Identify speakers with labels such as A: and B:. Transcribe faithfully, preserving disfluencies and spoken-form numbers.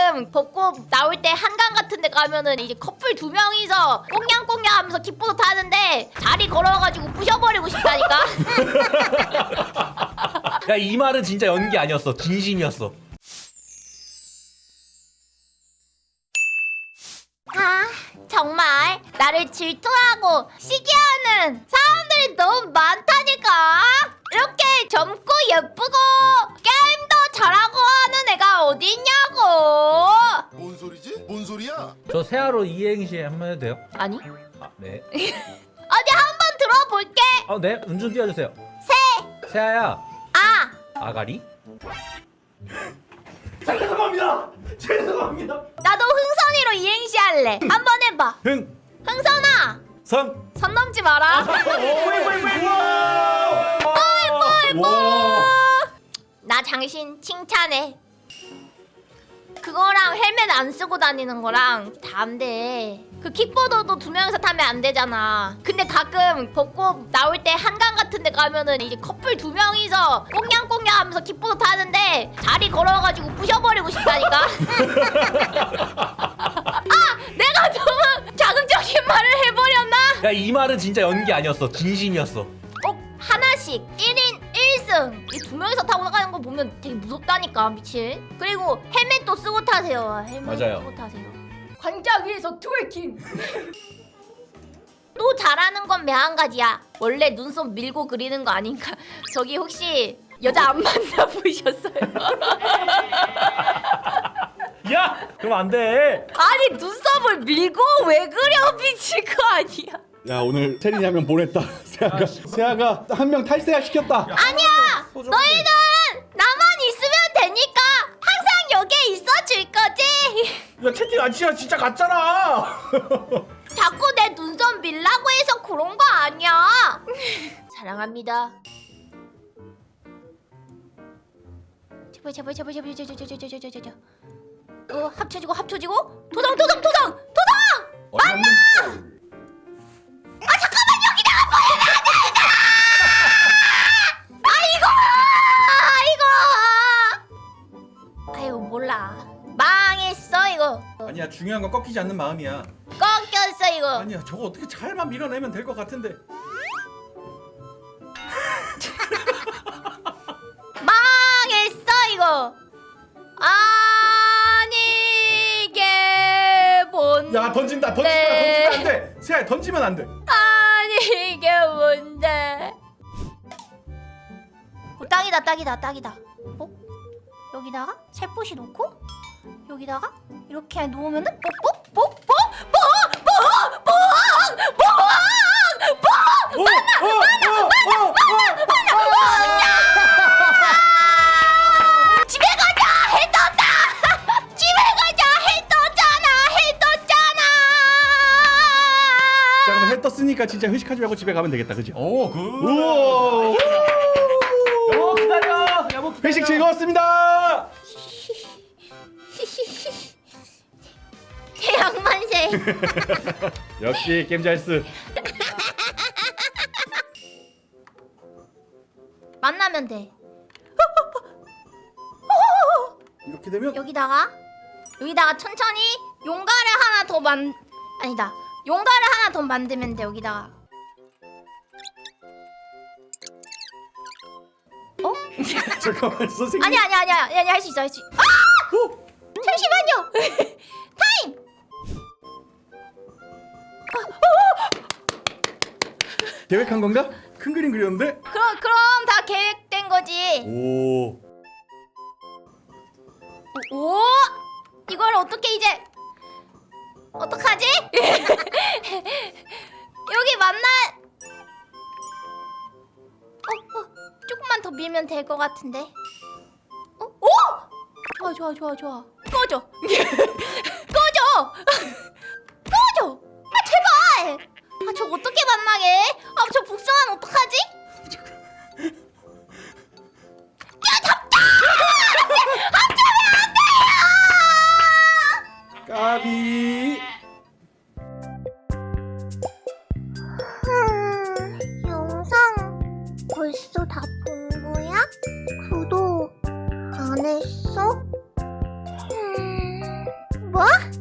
A: 가끔 벚꽃 나올 때 한강 같은 데 가면은 이제 커플 두 명이서 꽁냥꽁냥 하면서 킥보드 타는데 다리 걸어가지고 부셔버리고 싶다니까.
B: 야, 이 말은 진짜 연기 아니었어. 진심이었어.
A: 아, 정말 나를 질투하고 시기하는 사람들이 너무 많다니까. 이렇게 젊고 예쁘고 게임도 잘하고 하는 애가 어딨냐고.
C: 뭔 소리지? 뭔 소리야?
B: 저 세아로 이행시 한번 해도 돼요?
A: 아니,
B: 아, 네.
A: 어디 한번 들어볼게.
B: 아, 네. 운전 띄워주세요.
A: 새,
B: 세아야.
A: 아,
B: 아가리? 죄송합니다. 죄송합니다.
A: 나도 흥선이로 이행시 할래. 한번 해봐.
B: 흥.
A: 흥선아,
B: 선.
A: 선 넘지 마라.
B: 와.
A: 나 당신 칭찬해. 그거랑 헬멧 안 쓰고 다니는 거랑 다 안 돼. 그 킥보드도 두 명이서 타면 안 되잖아. 근데 가끔 벚꽃 나올 때 한강 같은 데 가면은 이제 커플 두 명이서 꽁냥꽁냥 하면서 킥보드 타는데 다리 걸어가지고 부셔버리고 싶다니까. 아, 내가 너무 자극적인 말을 해버렸나?
B: 야, 이 말은 진짜 연기 아니었어. 진심이었어.
A: 꼭 하나씩 일 인 일 승 이 두 명이서 타고 나가는 거 보면 되게 무섭다니까. 미친. 그리고 헬멧도 쓰고 타세요. 헬멧
B: 맞아요.
A: 쓰고 타세요. 광장 위에서 트월킹. 또 잘하는 건 매한가지야. 원래 눈썹 밀고 그리는 거 아닌가. 저기 혹시 여자 안 만나보셨어요?
B: 야, 그럼 안 돼.
A: 아니 눈썹을 밀고 왜 그려. 미친 거 아니야.
D: 야, 오늘 체린이 한 명 보냈다. 세아가 세아가 한 명 탈세아 시켰다.
A: 아니야. 너희는 나만 있으면 되니까 항상 여기에 있어줄 거지.
B: 야, 채팅 안 치야 진짜 같잖아.
A: 자꾸 내 눈썹 밀라고 해서 그런 거 아니야. 사랑합니다. 제발 제발 제발 제발 제발 제발 제발 제발 제발. 어, 합쳐지고 합쳐지고 도장 도장 도장 도장.
D: 맞나?
A: 아 잠깐만, 여기다가 보여놔야 아이고 아이고. 아이고 몰라. 망했어 이거.
D: 아니야, 중요한 건 꺾이지 않는 마음이야.
A: 꺾였어 이거.
D: 아니야, 저거 어떻게 잘만 밀어내면 될 것 같은데.
A: 망했어 이거. 아니게 본.
D: 야, 던진다, 던진다,
A: 네.
D: 던지면 안 돼. 세아야, 던지면 안 돼.
A: 아니 이게 뭔데? 어, 딱이다 딱이다 딱이다. 어? 여기다가 살포시 놓고 여기다가 이렇게 놓으면은 뽁뽁뽁뽁뽁뽁뽁뽁뽁
D: 어, 어, 어, 어, 어.
A: 집에 가자 해 떴다. 집에 가자 해 떴잖아 해 떴잖아.
D: 자, 그럼 해 떴으니까 진짜 회식하지 말고 집에 가면 되겠다, 그지?
B: 오, 굿.
D: 우와.
B: 여보 기다려. 여보 기다려.
D: 회식 즐거웠습니다.
A: 태양만세.
D: 역시 게임 잘쓰.
A: 만나면 돼.
D: 이렇게 되면
A: 여기다가 여기다가 천천히 용가를 하나 더 만 아니다 용가를 하나 더 만들면 돼. 여기다가 어?
D: 잠깐만, 선생님.
A: 아니 아니 아니 아니 아니 할 수 있어 할 수 있어. 아!
D: 어?
A: 잠시만요. 타임.
D: 계획한 건가? 큰 그림 그렸는데?
A: 그럼 그럼 다 계획된 거지.
D: 오.
A: 오! 이걸 어떻게 이제 어떡하지? 여기 맞나? 어, 어, 조금만 더 밀면 될 것 같은데. 어? 오! 좋아 좋아 좋아 좋아. 꺼져. 꺼져. 꺼져. 아 제발. 아 저 어떻게 만나게? 아 저 복숭아는 어떡하지?
D: 까비.
E: 영상 벌써 다 본 거야? 구독 안 했어? 음... 뭐?